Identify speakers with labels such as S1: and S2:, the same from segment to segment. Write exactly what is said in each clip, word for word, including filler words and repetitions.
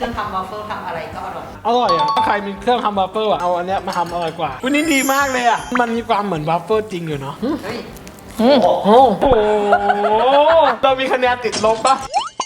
S1: เครื่องทำวอฟเฟิลทำอะไรก็อร่อย
S2: อร่อยอ่ะถ้าใครมีเครื่องทำวาฟเฟิลอ่ะเอาอันเนี้ยมาทำอร่อยกว่าวันนี้ดีมากเลยอ่ะมันมีความเหมือนวาฟเฟิลจริงอยู่เนาะ
S1: เฮ้ย
S2: โอ้โหเรามีคะแนนติดลบปะ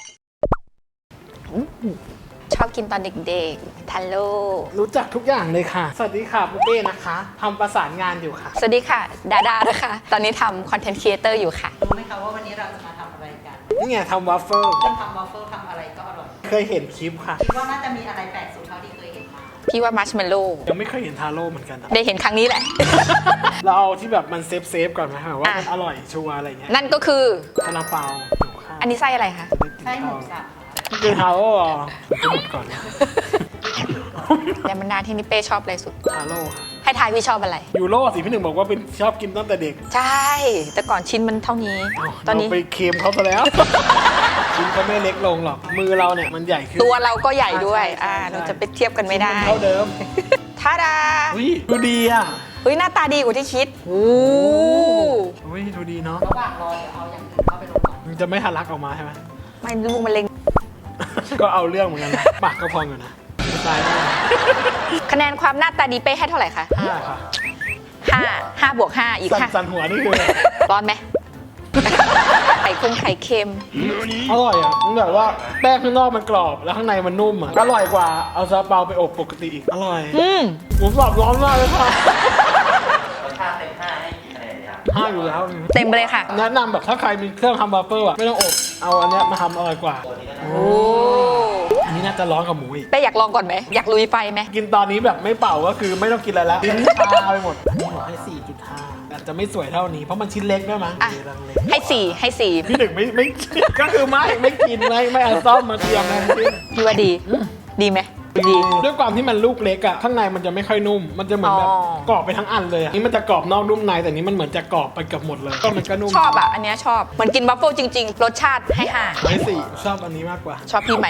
S3: ชอบกินตอนเด็กๆทันโล
S2: รู้จักทุกอย่างเลยค่ะสวัสดีค่ะปุ๊เป้นะคะทำประสานงานอยู่ค่ะ
S3: สวัสดีค่ะดาดานะคะตอนนี้ทำคอนเทนต์ครีเอเตอร์อยู่ค่ะ
S1: รู้ไหมคะว่าวันนี้เราจะมาทำอะไรกัน
S2: นี่ไงทำวาฟเฟิล
S1: เครื่องทำวอฟเฟิลทำอะไรก็อร่อย
S2: เคยเห็นคลิปค่ะ
S1: คิดว่าน่าจะมีอะไรแปลกสุดเท่าที่เคยเห็นมา
S3: พี่ว่ามัชเมลโล่
S2: ยังไม่เคยเห็นทาโร่เหมือนกันนะ
S3: ได้เห็นครั้งนี้แหละ
S2: เราเอาที่แบบมันเซฟเซฟก่อนไหมว่ามันอร่อยชัวร์อะไรเงี้ย
S3: นั่นก็คือ
S2: ซาลาเปา
S3: อันนี้ไส้อะไรคะ
S1: ไส้หมูสับ
S2: นี่คือทาโร่จะหมดก่อนนะ
S3: ยามันนาที่นิเป้ชอบอะไรสุด
S2: ทาโร่
S3: ให้ทายพี่ชอบอะไร
S2: ยูโร่สิพี่หนึ่งบอกว่าเป็นชอบกินตั้งแต่เด็ก
S3: ใช่แต่ก่อนชิ้นมันเท่านี้ตอนนี้
S2: ไปเค็มเขาซะแล้วชิ้นเขาไม่เล็กลงหรอกมือเราเนี่ยมันใหญ่ขึ้น
S3: ตัวเราก็ใหญ่ด้วยอ่าเราจะไปเทียบกันไม่ได้
S2: เท่าเดิม
S3: ท่าดา
S2: อุ้ยดูดีอ่ะ
S3: อุ้ยหน้าตาดีกว่าที่คิดโอ้
S2: อุ้ยดูดีเนาะ
S1: ระหว่างรอเดี๋ยวเอาอย่างอื่นเข้าไปลงก่อน
S2: มันจะไม่ทะลักออกมาใช่ไหม
S3: ไม่ลูกมันเล็ง
S2: ก็เอาเรื่องเหมือนกันนะปากก็พองอยู่นะตาย
S3: คะแนนความหน้าตาดีเป้ให้เท่าไหร่คะ
S2: ห้าค่ะ
S3: ห้าห้าบวกห้าอีกค่ะ
S2: สั่นหัวนี่คือ
S3: ร้อนไหมไข่คุ้มไข่เค็ม
S2: อร่อยอ่ะมันแบบว่าแป้งข้างนอกมันกรอบแล้วข้างในมันนุ่มอ่ะอร่อยกว่าเอาซาลาเปาไปอบปกติอีกอร่อย
S3: อืม
S2: หมูกรอบร้อนมากเลยค่ะ
S1: รสชาติเต็มห้าให้กี่คะแนนครับ
S2: ห้าอยู่แล้ว
S3: เต็มเลยค่ะ
S2: แนะนำแบบถ้าใครมีเครื่องทำวาฟเฟิลอ่ะไม่ต้องอบเอาอันเนี้ยมาทำอร่อยกว่า
S3: โอ้
S2: อันนี้น่าจะร้อนกับหมูอีก
S3: เป้อยากลองก่อนไหมอยากลุยไฟไหม
S2: กินตอนนี้แบบไม่เป่าก็คือไม่ต้องกินอะไรแล้วลิ้นชาไปหมดอันนี้บอกให้ สี่จุดห้า อาจจะไม่สวยเท่านี้เพราะมันชิ้นเล็กด้วยมั้ง
S3: ให้สี่ให้สี่
S2: พี่หนึ่งไม่ไม่ก็คือไม่ไม่กินไม่ไม่เอาซ่อมมาเตรียมนะ
S3: พี่ว่าดีดีไหม
S2: ดีด้วยความที่มันลูกเล็กอะข้างในมันจะไม่ค่อยนุ่มมันจะเหมือนแบบกรอบไปทั้งอันเลยนี่มันจะกรอบนอกนุ่มในแต่นี้มันเหมือนจะกรอบไปเกือบหมดเลยก็มันก็นุ่ม
S3: ชอบอะอันนี้ชอบเหมือนกินบัฟเฟิลจริงๆรสชาติให้ห้า
S2: ให้สี่ชอบอันนี้มากกว่า
S3: ชอบพี่ไหม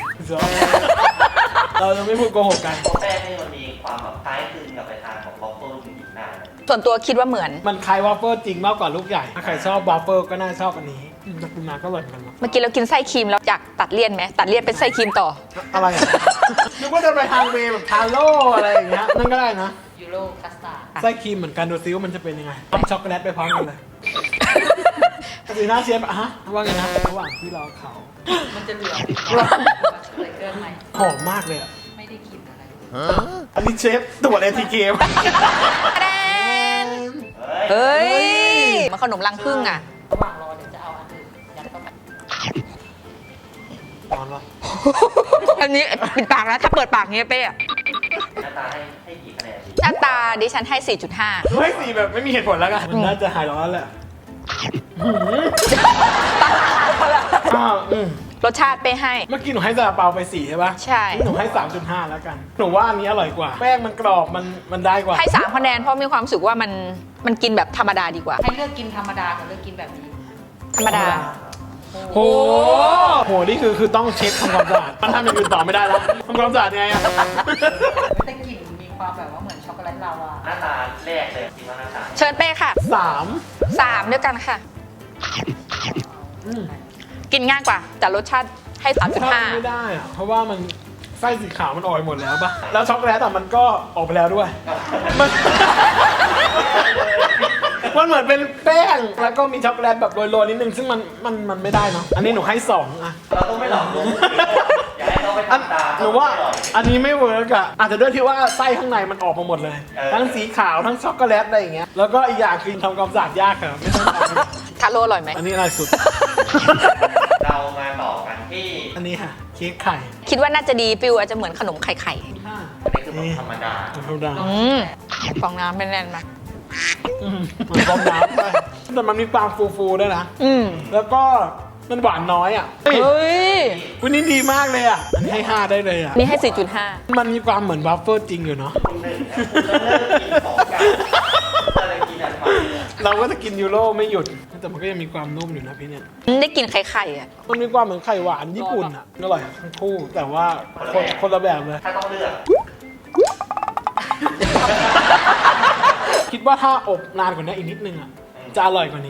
S2: เราจะไม่พูดโกหกกัน
S1: แป้งนี่มันมีความแบบคล้ายคลึงกับไปทานของวอฟเฟิลจริงๆนะ
S3: ส่วนตัวคิดว่าเหมือน
S2: มันคล้ายวอฟเฟิลจริงมากกว่าลูกใหญ่ถ้าใครชอบวอฟเฟิลก็น่าชอบอันนี้แต่คุณมาก็อร่อยกัน
S3: เมื่อกี้เรากินไส้ครีมแล้วอยากตัดเลี่ยนไหมตัดเลี่ยนเป็นไส้ครีมต่อ
S2: อะไรนึกว่าจะไปทางเวแบบทาโร่อะไรอย่างเงี้ยนั่นก็ได้นะ
S1: ยูโรคัสตาร์
S2: ดไส้ครีมเหมือนกันดูซิว่ามันจะเป็นยังไงทำช็อกโกแลตไปพร้อมกันเลยสีหน้าเชฟอะฮะว่าไงนะระหว่างที่รอเขา
S1: มันจะเหลือเลยเกินไหม
S2: หอมมากเลยอะ
S1: ไม่ได้กินอะไร
S2: อันนี้เชฟตรวจเอทีเคม
S3: เฮ้ยมันขนมรังผึ้งอะ
S1: ระหว่างรอเดี๋ยวจะเอาอันอื่นยัดเข้าไป
S2: ร้อนวะ
S3: อันนี้ปิดปากนะถ้าเปิดปากเงี้ยเป้อะ
S1: หน้าตาให้ให้กี่คะแนน
S3: หน้าตาดิฉันให้ สี่จุดห้า
S2: ให้สี่แบบไม่มีเหตุผลแล้วกันมันน่าจะหายร้อนแหละ
S3: รสชาติเป้ให้
S2: เมื่อกี้หนูให้ซาลาเปาไปสี่ใช่ปะ
S3: ใช่
S2: หนูให้ สามจุดห้า แล้วกันหนูว่าอันนี้อร่อยกว่าแป้งมันกรอบมันมันได้กว่า
S3: ให้สามคะแนนเพราะมีความรู้สึกว่ามันมันกินแบบธรรมดาดีกว่า
S1: ให้เลือกกินธรรมดากับเลือกกินแบบนี้
S3: ธรรมดา
S2: โหโหนี่คือคือต้องเช็คทำความสะอาดมันทำอย่างอื่นต่อไม่ได้แล้วทำความสะอาดไงอะ
S1: แต่กลิ่นมีความแบบว่าเหมือนช็อกโกแลตลาวาหน้าตาแรกเลยคิดว่าหน้าตา
S3: เชิญเป้ค่ะ
S2: สาม
S3: สามด้วยกันค่ะกินง่ายกว่าแต่รสชาติให้ สามจุดห้า
S2: ไม่ได้อะเพราะว่ามันไส้สีขาวมันออกหมดแล้วปะแล้วช็อกโกแลตแต่มันก็ออกไปแล้วด้วยมันมันเหมือนเป็นแป้งแล้วก็มีช็อกโกแลตแบบโรยๆนิดนึงซึ่งมันมันมันไม่ได้เนาะอันนี้หนูให้สองอะ
S1: เราต้องไม่หลอกลวงอย่าให้เขาไปทำตาม
S2: หนูว่าอันนี้ไม่เวิร์กอะอาจจะด้วยที่ว่าไส้ข้างในมันออกมาหมดเลยทั้งสีขาวทั้งช็อกโกแลตอะไรอย่างเงี้ยแล้วก็อีกอย่างคือทำความสะอาดยากครับไม่ต้อง
S3: ทาโร่อร่อยไหม
S2: อันนี้อร่อยสุด
S1: เรามาต่อกันที่
S2: อันนี้ค่ะเค้กไข่
S3: คิดว่าน่าจะดีฟิวอาจจะเหมือนขนมไข่ไข่
S1: อันนี้คือธรรมดา
S2: ธรรมดา
S3: ฟองน้ำแน่นๆมา
S2: เหมือนฟองน้ำแต่มันมีความฟูๆด้วยนะแล้วก็มันหวานน้อยอ่ะ
S3: เฮ้ย
S2: วันนี้ดีมากเลยอ่ะอันนี้ให้ห้าได้เลยอ่ะ
S3: นี่ให้ สี่จุดห้า
S2: มันมีความเหมือนวาฟเฟิลจริงอยู่เนาะเราก็จะกินยูโรไม่หยุดแต่มันก็ยังมีความนุ่มอยู่นะพี่เนี่ย
S3: ได้กินไข่ไข่อ่ะ
S2: มันมีความเหมือนไข่หวานญี่ปุ่นอ่ะอร่อยทั้งคู่แต่ว่าคนคนละแบบเลย
S1: ถ้าต้องเลือก
S2: คิดว่าถ้าอบนานกว่านี้อีกนิดนึงอ่ะจะอร่อยกว่านี้
S1: รส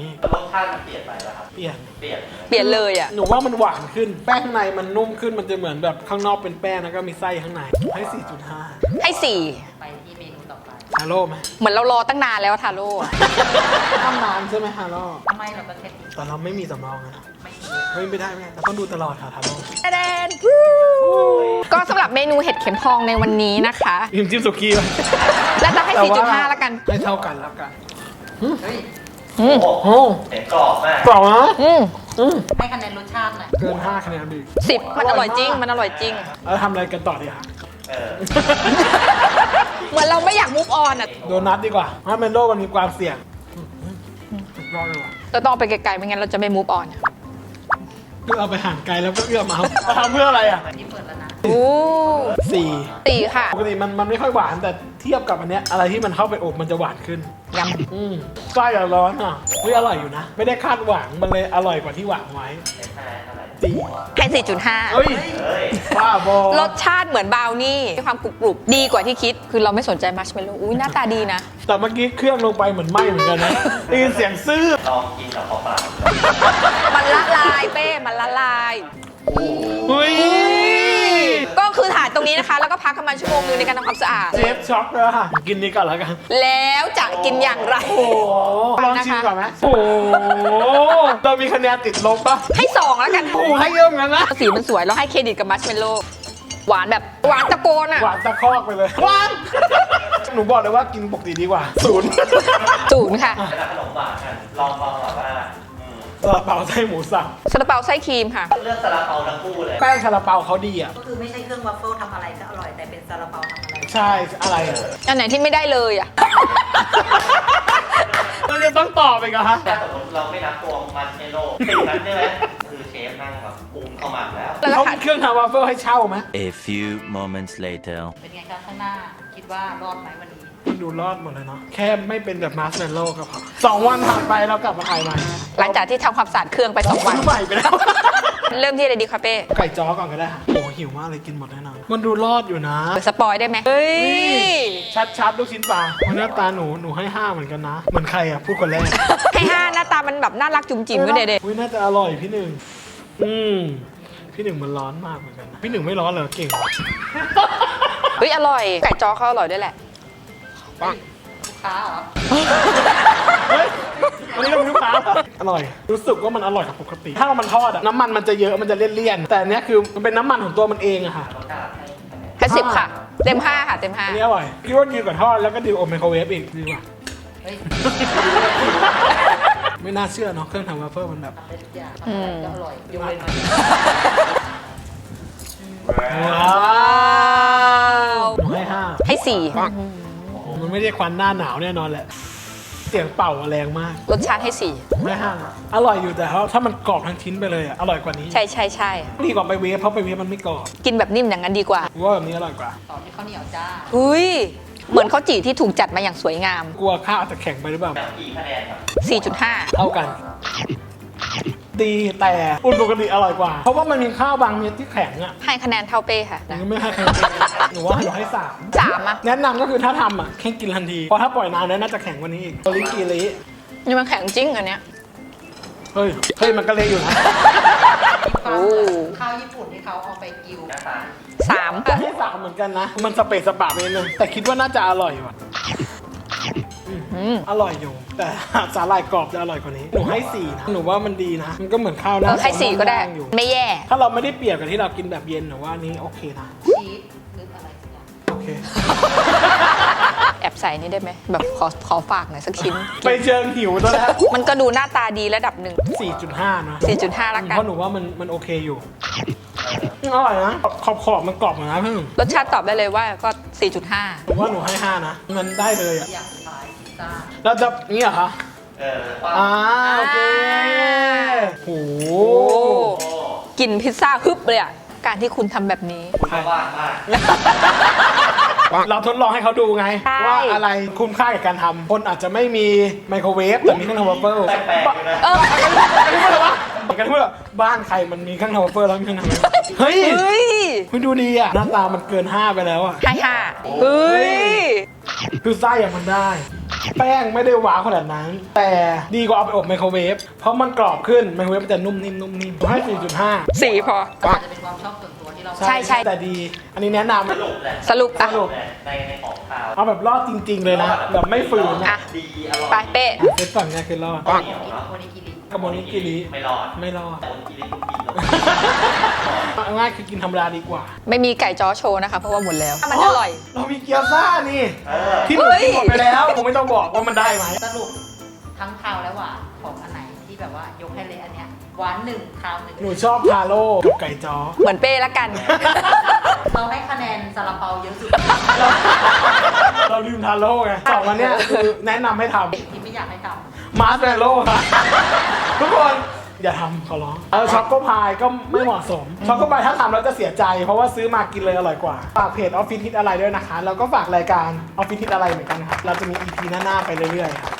S1: สชาติมันเปลี่ยนไปแล้วครับ
S2: เปลี่ยน
S1: เปลี่ยน
S3: เปลี่ยนเลยอ่ะ
S2: หนูว่ามันหวานขึ้น แป้งข้างในมันนุ่มขึ้น มันจะเหมือนแบบข้างนอกเป็นแป้งแล้วก็มีไส้ข้างใน ให้ สี่จุดห้า
S3: ให้สี่
S1: ไปที่เมนูต่อไป
S2: ฮาโร่ไหม
S3: เหมือนเรารอตั้งนานแล้วทาโร่อะ
S2: ต้องนานใช่ไหมฮาโร่
S1: ทำไมเราก็เทส
S2: แต่เราไม่มีสำรองนะ
S1: ไม่มี
S2: เฮ้ยไม่ได้ไม่ได้เราต้องดูตลอดค่ะฮาโร่
S3: แดนก็สำหรับเมนูเห็ดเข็มทองในวันนี้นะคะ
S2: พิมจิ้มสุกี้ไป
S3: แล้วจะให้ สี่จุดห้าแล้วกัน
S2: ให้เท่ากันแล้วกัน
S1: เฮ้ย
S3: อืม
S1: โอ้โห
S2: โอ้
S1: เห็นกรอบมาก
S2: กรอบนะ
S3: อืม
S2: อืม
S1: ให้คะแนนรสชาติหน่อย
S2: เกินห้าคะแนนดิ
S3: สิบมันอร่อยจริง มันอร่อยจริง
S2: แล้วทำอะไรกันต่อดีคะ
S1: เออ
S3: เหมือนเราไม่อยากมูฟออนอ่ะ
S2: โดนัทดีกว่าเพราะเมนโลมันมีความเสี่ยงสุดยอดเลยว่ะ
S3: เราต้องเอาไปไกลๆไม่งั้นเราจะไม่มูฟออน
S2: เพื่อเอาไปห่างไกลแล้วก็เอื้อมมาเอาทำเพื่ออะไรอ่ะ
S1: นี่เปิดแล้วนะ
S3: โอ้
S2: สี่
S3: ตีค่ะ
S2: ปกติมันมันไม่ค่อยหวานแต่เทียบกับอันเนี้ยอะไรที่มันเข้าไปอบมันจะหวานขึ้น
S3: ย
S2: อืมไส้อะร้อนอ่ะเฮ้ยอร่อยอยู่นะ ไม่ได้คาดหวังมันเลยอร่อยกว่าที่หวังไว้
S1: เห็นไหมเท่าไหร่
S2: สี่
S3: ำให้สี่จุดห้า
S2: เฮ้ย
S1: เฮ้ย
S2: บ้าบอ
S3: รสชาติเหมือนบราวนี่มีความกรุบๆ ดีกว่าที่คิด คือเราไม่สนใจมัชเมลโล่อุ้ยหน้าตาดีนะ
S2: แต่เมื่อกี้เครื่องลงไปเหมือนไหม้เหมือนกันนะได้ยินเสียงซื่อ
S1: ลองกินกับเปล่า
S3: มันละลายเป้ มันละลาย
S2: เฮ้ย
S3: ก็คือถ่ายตรงนี้นะคะ แล้วก็พักประมาณชั่วโมงนึงในการทำความสะอาด
S2: เชฟช็อกเลยค่ะกินนี้ก่อนแล้วกัน
S3: แล้วจะกินอย่างไร
S2: โอ้โหลองชิมก่อนไหมโอ้โหเรามีคะแนนติดลบปะ
S3: ให้สองแล้วกัน
S2: โอ้โหให้เยอะเหมือนกันนะ
S3: สีมันสวยแล้วให้เครดิตกับมัชเมลโล่หวานแบบหวานตะโกนอ่ะ
S2: หวานตะคอกไปเลยหวานหนูบอกเลยว่ากินปกติดีกว่าศูนย์
S3: ศูนย์ค่ะ
S1: ๆเป็นขนมหวานกันลองลองแบบว่าอืม
S2: ซาลาเปาไส้หมูสับ
S3: ซาลาเปาไส้ครีมค่ะ
S1: เลือกซาลาเปาทั้งคู่เลย
S2: แป้งซาลาเปาเขาดีอ่ะ
S4: ก็คือไม่ใช่เครื่องวัฟเฟิลทำอะไรก็อร่อย แต่เป็นซาลาเปาทำอะไร
S2: ใช่อะไรอ่ะ
S3: อันไหนที่ไม่ได้เลยอ่ะ
S2: เราจะต้องตอบไปกันฮะ
S1: ถ้าสมมติเราไม่นับตัวมันเมโล่สิ่งนั้นใช่ไหมคือเชฟนั่งแบบปรุงเข้ามาแล้ว
S3: แล้วก็
S2: เขา
S3: ขาด
S2: มีเครื่องทำวาฟเฟิลให้เช่าไหม
S5: A few moments later.
S1: เป็นไงคะข้างหน้า คิดว่ารอดไหมวันนี้
S2: มันดูรอดหมดเลยเนาะแค่ไม่เป็นแบบมาร์ชเมลโล่ก็พอสองวันผ่านไปเรากลับมาถ่ายใหม่
S3: หลังจากที่ทำความสะอาดเครื่องไปสองวัน
S2: ซื้ใหม่ไปแล้ว
S3: เริ่มที่อะไรดีคะเป้
S2: ไก่จ้อก่อนก็ได้ค่ะโอ้หิวมากเลยกินหมดแน่นอนมันดูรอดอยู่นะ
S3: สปอยได้ไหมเฮ้ย
S2: ชัดๆลูกชิ้นปลาวันหน้าตาหนูหนูให้ห้าเหมือนกันนะ เหมือนใครอ่ะพูดคนแรก
S3: ให้ห้าหน้าตามันแบบน่ารักจุ๋มจิ๋มด้วยเด็ก
S2: อุ้ยน่าจะอร่อยพี่หนึ่งอืมพี่หนึ่งมันร้อนมากเหมือนกันนะพี่หนึ่งไม่ร้อนเหรอเก่ง
S3: ๆเฮ้ยอร่อย ไก่จ้อเขาอร่อยด้วยแหละ
S2: ปัง
S1: ลูกค้าเหรอ
S2: เฮ้ยวันนี้เราเป็นลูกค้าเหรออร่อย รู้สึกว่ามันอร่อยกว่าปกติ ถ้ามันทอดอะน้ำมันมันจะเยอะมันจะเลี่ยนๆแต่อันเนี้ยคือมันเป็นน้ำมันของตัวมันเองอะค่ะ
S1: รสชาติให้คะแนน
S3: ให้สิบค่ะ เต็มห้าค่ะ เต็มห้า
S2: อันนี้อร่อยคิดว่าดีกว่าทอดแล้วก็ดีกว่าอบไมโครเวฟอีกดีกว่า
S1: เฮ้ย
S2: ไม่น่าเชื่อเนาะเครื่องทำวาฟเฟิลมันแบบ
S1: ทำได้ทุกอย่างทำอะไรก็อร่อยยกเว้นมัน
S2: ว้าวหนูให้ห้า
S3: ให้สี่
S2: มันไม่ได้ควันหน้าหนาวแน่นอนแหละเสียงเป่าแรงมาก
S3: รสชาติให้สี่
S2: ผมให้ห้าอร่อยอยู่แต่ถ้ามันกรอบทั้งชิ้นไปเลยอะอร่อยกว่านี้
S3: ใช่ใช่ใช่
S2: ดีกว่าไปเวฟเพราะไปเวฟมันไม่กรอบ
S3: กินแบบนิ่มอย่างนั้นดีกว่า
S2: กูว่าแบบนี้อร่อยกว่า
S1: ต่อที่ข้าวเหนียวจ้า
S3: อุ้ย เหมือนข้าวจี่ที่ถูกจัดมาอย่างสวยงาม
S2: กลัวข้าวจะแข็งไปหรือเปล่า
S1: แบบกี่คะแนนครับ
S3: สี่จุดห้า
S2: เท่ากัน ดีแต่อุ่นปกติอร่อยกว่า เพราะว่ามันมีข้าวบางเม็ดที่แข็งอ่ะ
S3: ให้คะแนนเท่าเป้ค่ะ
S2: หนู
S3: นะ
S2: ก็ไม่ให้ใครกินหนูว่าหนูให้สาม
S3: สามอ่ะ
S2: แนะนำก็คือถ้าทำอ่ะแค่กินทันที เพราะถ้าปล่อยนานแล้วน่าจะแข็งกว่านี้อีกโอริกิริ
S3: นี่มันแข็งจริงอันเนี้ย
S2: เฮ้ย เฮ้ย มันก็เละอยู่นะ
S1: ความเหมือนข้าวญี่ปุ่นที่เขาเอาไปกิวหน้าตา
S3: สาม
S2: แต่ให้สามเหมือนกันนะ มันสเปซสปะไปนิดนึงแต่คิดว่าน่าจะอร่อยว่ะ
S3: อืม
S2: อร่อยอยู่ แต่สาหร่ายกรอบจะอร่อยกว่านี้ หนูให้สี่นะ หนูว่ามันดีนะ มันก็เหมือนข้าวห
S3: เอ
S2: น้า
S3: อให้สี่ก็ได้
S2: อยู่
S3: ไม่แย่
S2: ถ้าเราไม่ได้เปรียบกับที่เรากินแบบเย็นหนูว่าอันนี้โอเคนะ
S1: ชีสหรืออะไรสักอย่าง
S2: โอเค
S3: แอบใส่นี่ได้ไหม แบบขอขอฝากหน่อยสักชิ้น
S2: ไปเชิงหิวตัวแล้ว
S3: มันก็ดูหน้าตาดีระดับหนึ่ง
S2: สี่จุดห้านะ
S3: สี่จุดห้าละกัน
S2: เพราะหนูว่ามันมันโอเคอยู่อร่อยนะ ขอบขอบมันกรอบเหมือนนะเพิ่ง
S3: รสชาติตอบได้เลยว่าก็ สี่จุดห้า
S2: หนูว่าหนูให้ห้านะ มันได้เลยอ่ะ
S1: อย่างสุดท้ายพิซซ่า
S2: เราจะนี่เหรอคะ
S1: เออป้า
S2: อ่าโอเคโห
S3: โอ้กลิ่นพิซซ่าฮึบเลยอ่ะ การที่คุณทำแบบนี้
S1: คุณก็ว่างมาก
S2: เราทดลองให้เขาดูไง
S3: ใช่
S2: ว่าอะไรคุ้มค่ากับการทำคนอาจจะไม่มีไมโครเวฟแต่มีเครื่องทำวาฟเฟิล
S1: แปลกๆอยู่นะ
S3: เออ
S2: กันที่พูดอะไรวะกันที่พูดว่าบ้านใครมันมีเครื่องทำวาฟเฟิลแล้วมีเครื่องทำวาฟเฟิลเฮ้ย
S3: เฮ้ย
S2: คุณดูดีอ่ะหน้าตามันเกินห้าไปแล้วอ่ะ
S3: ให้ห้าเฮ้ย
S2: คือไส้อะมันได้แป้งไม่ได้ว้าวขนาดนั้น แต่ดีกว่าเอาไปอบไมโครเวฟเพราะมันกรอบขึ้นไมโครเวฟมันจะนุ่มนิ่มนุ่มนิ่มให้ สี่จุดห้า
S3: สี่พอ
S4: อาจจะเป็นความชอบส่วนตัวที่เรา
S3: ใช่ใช่
S2: แต่ดี อันนี้แนะนำ
S1: สรุปแหละ
S3: สรุปอ่ะ
S2: สรุป
S1: ในในของคาว
S2: เอาแบบรอดจริง ๆ เลยนะ แบบไม่ฝืน
S3: อ่ะ
S2: นะ
S1: ดีอร่อย
S3: ไปเป้
S2: เซตฝั่งเนี้ยคือรอด
S1: ข้าวเหนียวเนาะ
S4: โอนิกิริ
S2: กับโมนิกิริ
S1: ไม่รอด
S2: ไม่รอด
S1: แต่โมนิกิริกูกินแล้ว
S2: เอาง่ายคือกินธรรมดาดีกว่า
S3: ไม่มีไก่จ้อโชว์นะคะ เพราะว่าหมดแล้ว มันอร่อย
S2: เรามีเกี๊ยวซ่านี่
S1: เออ
S2: ที่หนูกินหมดไปแล้วผมไม่ต้องบอกว่ามันได้ไหม
S4: สรุปทั้งคาวและหวานของอันไหนที่แบบว่ายกให้เลยอันเนี้ยหวานหนึ่งคาวหนึ่ง
S2: หนูชอบทาโร่กับไก่จ้อ
S3: เหมือนเป้ละกัน
S4: เราให้คะแนนซาลาเปาเยอะสุด
S2: เราลืมทาโร่ไงสองอันเนี้ยคือแนะนำให้ท
S4: ที่ไม่อยากให้ท
S2: ำมาร์ชแมลโล่ค่ะ ทุกคนอย่าทำขอร้องเออช็อกโกพายก็ไม่เหมาะสมช็อกโกพายถ้าทำแล้วจะเสียใจ เพราะว่าซื้อมากินเลยอร่อยกว่าฝากเพจออฟฟิศฮิตอะไรด้วยนะคะแล้วก็ฝากรายการออฟฟิศฮิตอะไรเหมือนกันครับเราจะมี อี พี หน้าๆไปเรื่อยๆครับ